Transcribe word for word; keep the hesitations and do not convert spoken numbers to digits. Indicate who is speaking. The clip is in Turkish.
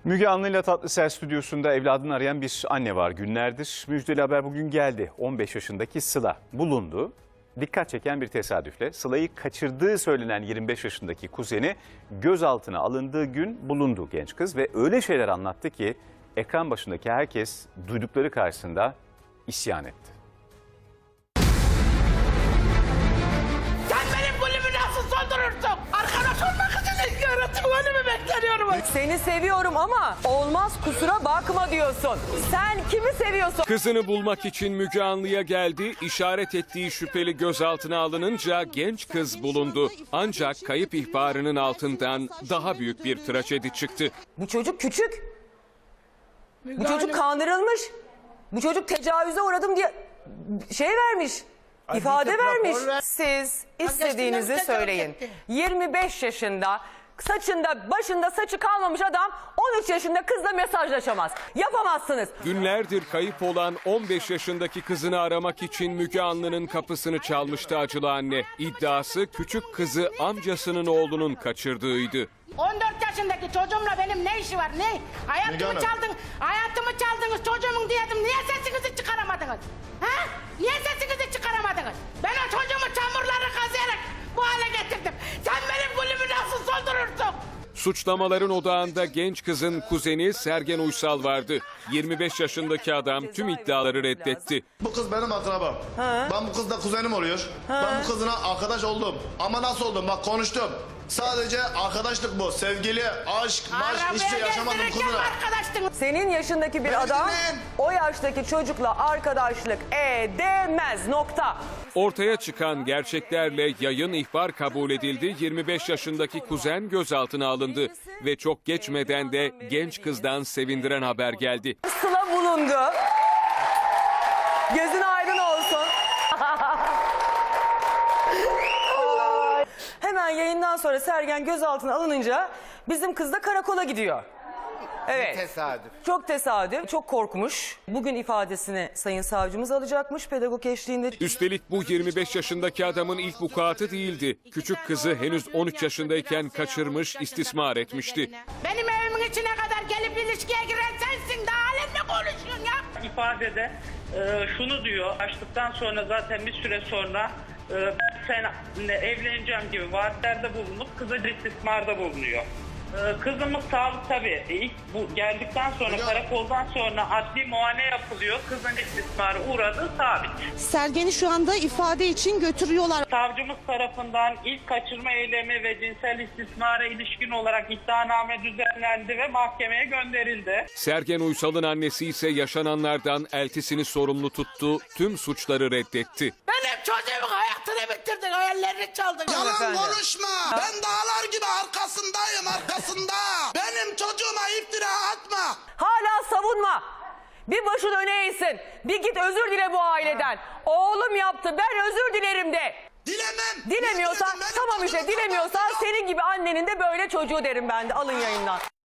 Speaker 1: Müge Anlı'yla Tatlısel stüdyosunda evladını arayan bir anne var günlerdir. Müjdeli haber bugün geldi. on beş yaşındaki Sıla bulundu. Dikkat çeken bir tesadüfle Sıla'yı kaçırdığı söylenen yirmi beş yaşındaki kuzeni gözaltına alındığı gün bulundu genç kız. Ve öyle şeyler anlattı ki ekran başındaki herkes duydukları karşısında isyan etti.
Speaker 2: Sen benim gülümü nasıl soldurursun? Arkadaş olmak için yaratım önümü bekleniyorum.
Speaker 3: Seni seviyorum ama olmaz kusura bakma diyorsun. Sen kimi seviyorsun?
Speaker 4: Kızını bulmak için Müge Anlı'ya geldi. İşaret ettiği şüpheli gözaltına alınınca genç kız bulundu. Ancak kayıp ihbarının altından daha büyük bir trajedi çıktı.
Speaker 3: Bu çocuk küçük. Bu çocuk kandırılmış. Bu çocuk tecavüze uğradım diye şey vermiş. İfade vermiş. Siz istediğinizi söyleyin. yirmi beş yaşında saçında başında saçı kalmamış adam on üç yaşında kızla mesajlaşamaz. Yapamazsınız.
Speaker 4: Günlerdir kayıp olan on beş yaşındaki kızını aramak için Müge Anlı'nın kapısını çalmıştı acılı anne. İddiası küçük kızı amcasının oğlunun kaçırdığıydı.
Speaker 2: on dört yaşındaki çocuğumla benim ne işi var ne? Hayatımı çaldın, hayatımı çaldınız çocuğumun diyedim. Niye sesinizi çıkaramadınız? Ha? Niye sesinizi çıkaramadınız? Ben o çocuğumu çamurları kazıyarak bu hale getirdim. Sen benim gülümü nasıl soldurursun?
Speaker 4: Suçlamaların odağında genç kızın kuzeni Sergen Uysal vardı. yirmi beş yaşındaki adam tüm iddiaları reddetti.
Speaker 5: Bu kız benim akrabam. Ben bu kızla kuzenim oluyor. Ben bu kızına arkadaş oldum. Ama nasıl oldum? Bak konuştum. Sadece arkadaşlık bu. Sevgili, aşk, maşk hiçbir şey yaşamadım kızına.
Speaker 2: Arkadaştın.
Speaker 3: Senin yaşındaki bir
Speaker 5: Beni
Speaker 3: adam
Speaker 5: dinleyin.
Speaker 3: o yaştaki çocukla arkadaşlık edemez. Nokta.
Speaker 4: Ortaya çıkan gerçeklerle yayın ihbar kabul edildi. yirmi beş yaşındaki kuzen gözaltına alındı ve çok geçmeden de genç kızdan sevindiren haber geldi.
Speaker 3: Sıla bulundu. Gözün aydın olsun. Hemen yayından sonra Sergen gözaltına alınınca bizim kız da karakola gidiyor. Evet.
Speaker 6: Tesadüf.
Speaker 3: Çok tesadüf, çok korkmuş. Bugün ifadesini sayın savcımız alacakmış pedagog eşliğinde.
Speaker 4: Üstelik bu yirmi beş yaşındaki adamın ilk vukuatı değildi. Küçük kızı henüz on üç yaşındayken kaçırmış, istismar etmişti.
Speaker 2: Benim evimin içine kadar gelip ilişkiye giren sensin. Daha halen ne konuşuyorsun ya?
Speaker 7: İfadede e, şunu diyor, açtıktan sonra zaten bir süre sonra e, ben seninle evleneceğim gibi vaatlerde bulunup kıza istismarda bulunuyor. E, kızımız sağlık tabii e, ilk bu geldikten sonra karakoldan sonra adli muayene yapılıyor. Kızın istismarı uğradığı sabit.
Speaker 8: Sergen'i şu anda ifade için götürüyorlar.
Speaker 7: Savcımız tarafından ilk kaçırma eylemi ve cinsel istismara ilişkin olarak iddianame düzenlendi ve mahkemeye gönderildi.
Speaker 4: Sergen Uysal'ın annesi ise yaşananlardan eltisini sorumlu tuttu, tüm suçları reddetti.
Speaker 2: Benim çocuğumun hayatını bitirdin, hayallerini çaldın.
Speaker 5: Yalan
Speaker 3: Efendim.
Speaker 5: konuşma. Ben dağlar gibi arkasındayım arkasında. Benim çocuğuma iftira atma.
Speaker 3: Hala savunma. Bir başın öne eğsin. Bir git özür dile bu aileden. Oğlum yaptı, ben özür dilerim de.
Speaker 5: Dilemem.
Speaker 3: Dilemiyorsan
Speaker 5: Benim
Speaker 3: tamam işte
Speaker 5: çocuğum
Speaker 3: dilemiyorsan
Speaker 5: kafasında yok.
Speaker 3: senin gibi annenin de böyle çocuğu derim ben de. Alın yayından.